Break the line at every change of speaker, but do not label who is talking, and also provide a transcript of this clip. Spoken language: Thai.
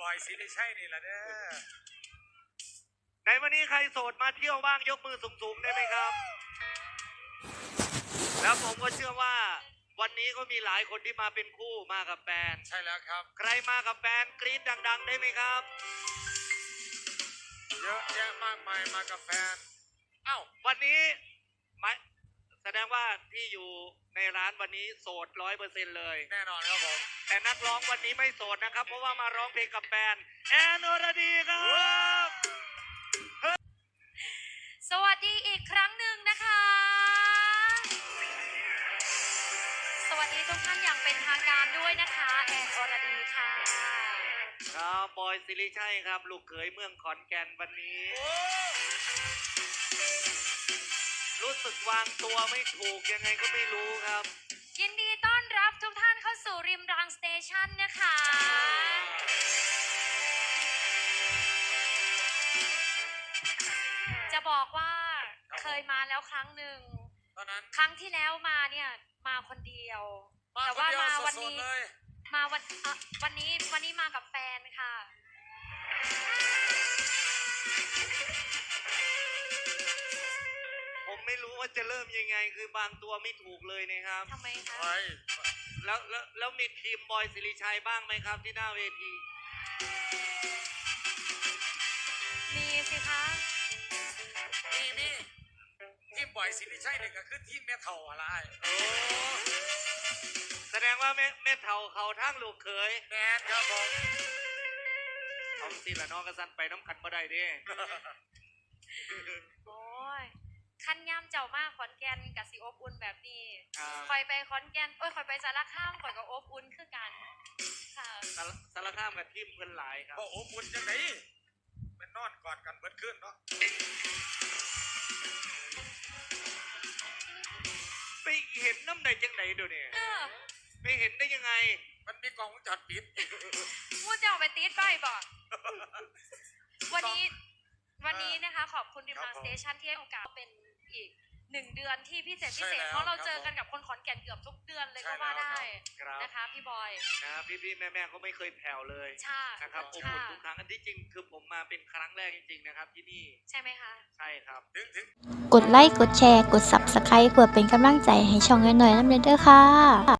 อยสิริชัยนี่แหละเด้อ
ในวันนี้ใครโสดมาเที่ยวบ้างยกมือสูงๆได้ไหมครับแล้วผมก็เชื่อว่าวันนี้ก็มีหลายคนที่มาเป็นคู่มากับแฟน
ใช่แล้วครับ
ใครมากับแฟนกรี๊ดดังๆได้ไหมครับ
เยอะแยะมากมายมากับแฟนเอ้า
วันนี้แสดงว่าที่อยู่ในร้านวันนี้โสด100%เลย
แน่นอนครับผม
แต่นักร้องวันนี้ไม่โสดนะครับเพราะว่ามาร้องเพลงกับแฟนแอนอรดีครับ
สวัสดีอีกครั้งหนึ่งนะคะสวัสดีทุกท่านอย่างเป็นทางการด้วยนะคะแอนอรดีค่ะ
ครับบอยสิริชัยครับลูกเขยเมืองขอนแก่นวันนี้รู้สึกวางตัวไม่ถูกยังไงก็ไม่รู้ครับ
ยินดีต้อนรับทุกท่านเข้าสู่ริมรางสเตชันนะคะจะบอกว่าเคยมาแล้วครั้งหนึ่งครั้งที่แล้วมาเนี่ยมาคนเดียวแต่ว่ามาวันนี้มาวันนี้มากับแฟนค่ะ
ผมไม่รู้ว่าจะเริ่มยังไงคือบางตัวไม่ถูกเลยนะครับ
ทำไมคะ
แล้วมีทีมบอยสิริชัยบ้างไหมครับที่หน้าเวที
มีสิคะ
มีทีมบอยสิริชัยนี่ก็คือทีมแม่เฒ่าอะไร
แสดงว่าแม่เฒ่าเขาทั้งลูกเขย
แม่ครับผม
เอาสิละน้องกระสันไปน้ำขันบ่ได้ดิ
โอ้ยขั้นย่ำเจ้ามากขอนแก่นกับสีอบอุ่นแบบนี้คอยไปขอนแก่นคอยไปสารคามคอยกับอบอุ่นคือกันค่ะ
สารคามกับทีมเพื่อนหลายครับ
อบอุ่นจังไหนเป็นนอนกอดกันเบิดขึ้นเนาะ
ไปเห็นน้ำไหนจังไหนเดี๋ยวนี้ไปเห็นได้ยังไง
มันมีกล้องวงจรปิด
มูจะเอาไปตีดไปบ่วันนี้นะคะขอบคุณริมรางสเตชันที่ให้โอกาสเป็นอีก1 เดือนที่พิเศษเพราะเราเจอกันกับคนขอนแก่นเกือบทุกเดือนเลยก็ว่าได้นะคะพี่บอย
นะพี่แม่เขาไม่เคยแผ่วเลยนะครับอบอุ่นทุกครั้งอันที่จริงคือผมมาเป็นครั้งแรกจริงๆนะครับที่นี่
ใช่ไหมคะ
ใช่ครับ
กดไลค์กดแชร์กด Subscribe เพื่อเป็นกำลังใจให้ช่องน้อยๆน้ำเด้อค่ะ